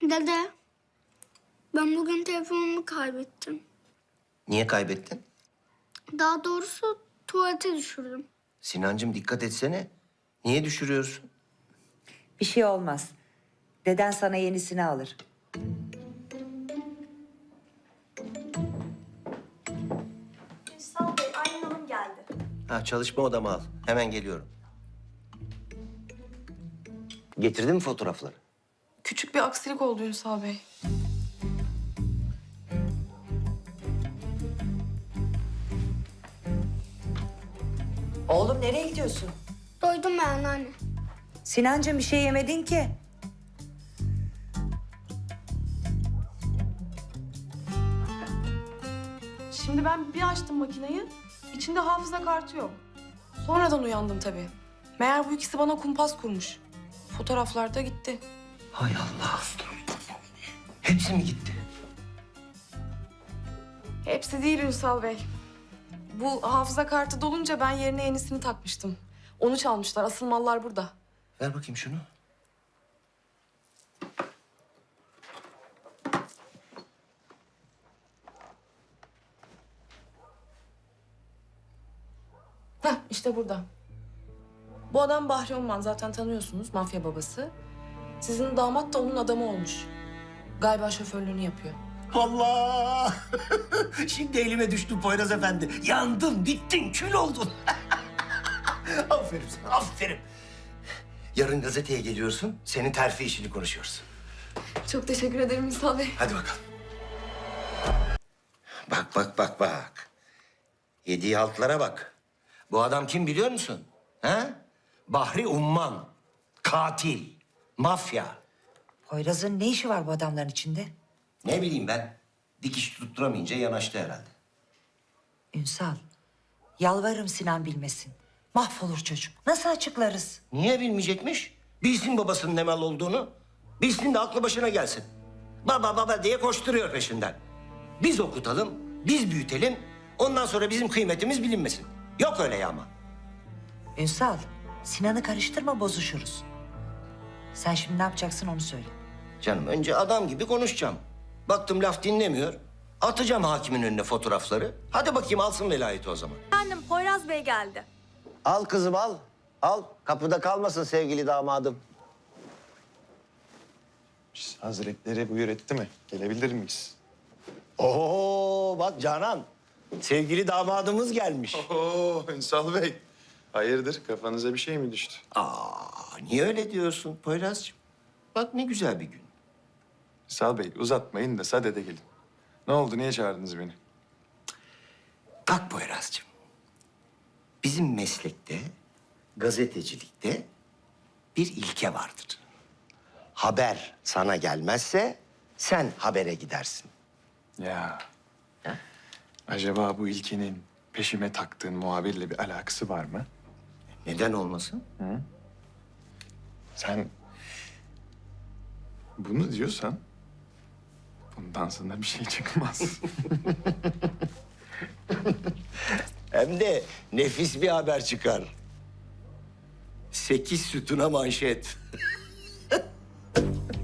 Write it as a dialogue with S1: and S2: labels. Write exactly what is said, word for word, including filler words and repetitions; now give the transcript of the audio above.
S1: Dede, ben bugün telefonumu kaybettim.
S2: Niye kaybettin?
S1: Daha doğrusu tuvalete düşürdüm.
S2: Sinancığım dikkat etsene. Niye düşürüyorsun?
S3: Bir şey olmaz. Deden sana yenisini alır.
S4: Ünsal Bey, Aylin Hanım geldi.
S2: Ha, çalışma odama al. Hemen geliyorum. Getirdin mi fotoğrafları?
S5: Küçük bir aksilik oldu Ünsal Bey.
S3: Oğlum nereye gidiyorsun?
S1: Doydum ben anne.
S3: Sinancığım bir şey yemedin ki.
S5: Şimdi ben bir açtım makineyi, içinde hafıza kartı yok. Sonradan uyandım tabii. Meğer bu ikisi bana kumpas kurmuş. Fotoğraflar da gitti.
S2: Hay Allah. Hepsi mi gitti?
S5: Hepsi değil Ünsal Bey. Bu hafıza kartı dolunca ben yerine yenisini takmıştım. Onu çalmışlar, asıl mallar burada.
S2: Ver bakayım şunu.
S5: Heh, işte burada. Bu adam Bahri Onman, zaten tanıyorsunuz, mafya babası. Sizin damat da onun adamı olmuş. Galiba şoförlüğünü yapıyor.
S2: Allah! Şimdi elime düştü Poyraz Efendi. Yandın, bittin, kül oldun. Aferin sana, aferin. Yarın gazeteye geliyorsun, senin terfi işini konuşuyoruz.
S5: Çok teşekkür ederim Ünsal Bey.
S2: Hadi bakalım. Bak, bak, bak, bak. Yediği haltlara bak. Bu adam kim biliyor musun? Ha? Bahri Umman. Katil. Mafya.
S3: Poyraz'ın ne işi var bu adamların içinde?
S2: Ne bileyim ben. Dikiş tutturamayınca yanaştı herhalde.
S3: Ünsal, yalvarırım Sinan bilmesin. Mahvolur çocuk. Nasıl açıklarız?
S2: Niye bilmeyecekmiş? Bilsin babasının ne mal olduğunu. Bilsin de aklı başına gelsin. Baba baba diye koşturuyor peşinden. Biz okutalım, biz büyütelim. Ondan sonra bizim kıymetimiz bilinmesin. Yok öyle ya ama.
S3: Ünsal, Sinan'ı karıştırma bozuşuruz. Sen şimdi ne yapacaksın onu söyle.
S2: Canım önce adam gibi konuşacağım. Baktım laf dinlemiyor. Atacağım hakimin önüne fotoğrafları. Hadi bakayım alsın velayeti o zaman.
S4: Efendim, Poyraz Bey geldi.
S2: Al kızım al. Al. Kapıda kalmasın sevgili damadım.
S6: Hazretleri buyur etti mi? Gelebilir miyiz?
S2: Oo bak Canan. Sevgili damadımız gelmiş.
S6: Oo Ünsal Bey. Hayırdır kafanıza bir şey mi düştü?
S2: Aa, niye öyle diyorsun Poyraz'cığım? Bak ne güzel bir gün.
S6: Ünsal Bey uzatmayın da sadede gelin. Ne oldu niye çağırdınız beni?
S2: Bak Poyraz'cığım. Bizim meslekte, gazetecilikte bir ilke vardır. Haber sana gelmezse sen habere gidersin.
S6: Ya.
S2: Ha?
S6: Acaba bu ilkenin peşime taktığın muhabirle bir alakası var mı?
S2: Neden olmasın?
S6: Sen bunu diyorsan bundan sonra bir şey çıkmaz.
S2: Hem de nefis bir haber çıkar. Sekiz sütuna manşet.